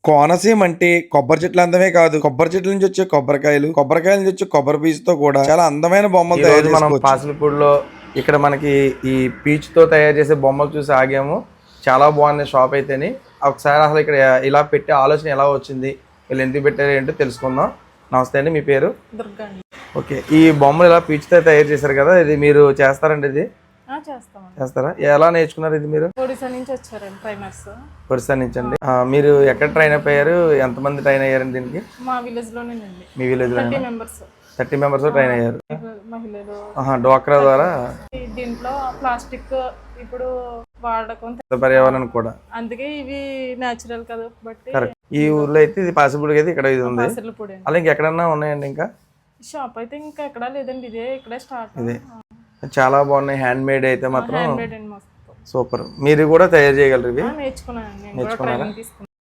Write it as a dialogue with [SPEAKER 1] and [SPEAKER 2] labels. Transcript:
[SPEAKER 1] కోనసీమ అంటే కొబ్బరి చెట్లు అందమే కాదు, కొబ్బరి చెట్ల నుంచి వచ్చే కొబ్బరికాయలు, కొబ్బరికాయల నుంచి వచ్చే కొబ్బరి పీచుతో కూడా చాలా అందమైన బొమ్మలు
[SPEAKER 2] ఈ
[SPEAKER 1] తయారు
[SPEAKER 2] రోజు మనం
[SPEAKER 1] చేసుకోవచ్చు.
[SPEAKER 2] పాసిలపూడిలో ఇక్కడ మనకి ఈ పీచుతో తయారు చేసే బొమ్మలు చూసి ఆగాము. చాలా బాగుంది షాప్ అయితేని. ఒకసారి అసలు ఇక్కడ ఇలా పెట్టే ఆలోచన ఎలా వచ్చింది, వీళ్ళు ఎందుకు పెట్టారు ఏంటో తెలుసుకుందాం. నమస్తే అండి, మీ పేరు?
[SPEAKER 3] దుర్గా అండి.
[SPEAKER 2] ఓకే, ఈ బొమ్మలు ఇలా పీచుతో తయారు చేశారు కదా, ఇది మీరు చేస్తారండి? ఇది
[SPEAKER 3] చేస్తామండి.
[SPEAKER 2] చేస్తారా? ఎలా నేర్చుకున్నారు ఇది మీరు?
[SPEAKER 3] ఒడిశా నుంచి వచ్చారండి ట్రైనర్స్.
[SPEAKER 2] ఒరిస్సా నుంచి అండి. మీరు ఎక్కడ ట్రైన్ అయిపోయారు? ఎంతమంది ట్రైన్ అయ్యారండి దీనికి?
[SPEAKER 3] మా విలేజ్ లోనేనండి.
[SPEAKER 2] మీ విలేజ్ లో
[SPEAKER 3] 30 మెంబర్స్
[SPEAKER 2] 30 మెంబర్స్ ట్రైన్ అయ్యారు.
[SPEAKER 3] మహిళలు.
[SPEAKER 2] డోక్రా ద్వారా.
[SPEAKER 3] దీంట్లో ప్లాస్టిక్ ఇప్పుడు వాడకం
[SPEAKER 2] పర్యావరణం కూడా,
[SPEAKER 3] అందుకే ఇవి నేచురల్ కదా బట్టి.
[SPEAKER 2] కరెక్ట్. ఈ ఊర్లో అయితే ఇది పాసిబుల్ అయితే ఇక్కడ ఇది ఉంది.
[SPEAKER 3] పొడి
[SPEAKER 2] అలా ఇంకెక్కడన్నా ఉన్నాయండి? ఇంకా
[SPEAKER 3] షాప్ అయితే ఇంకా ఎక్కడా లేదండి, ఇదే ఇక్కడే స్టార్ట్.
[SPEAKER 2] ఇదే చాలా బాగున్నాయి. హ్యాండ్ మేడ్ అయితే మాత్రం
[SPEAKER 3] హ్యాండ్ మేడ్ అండి, మస్తు
[SPEAKER 2] సూపర్. మీరు కూడా తయారు చేయగలరు ఇవి?
[SPEAKER 3] నేర్చుకున్నానండి, నేను కూడా ట్రైనింగ్ తీసుకున్నాను.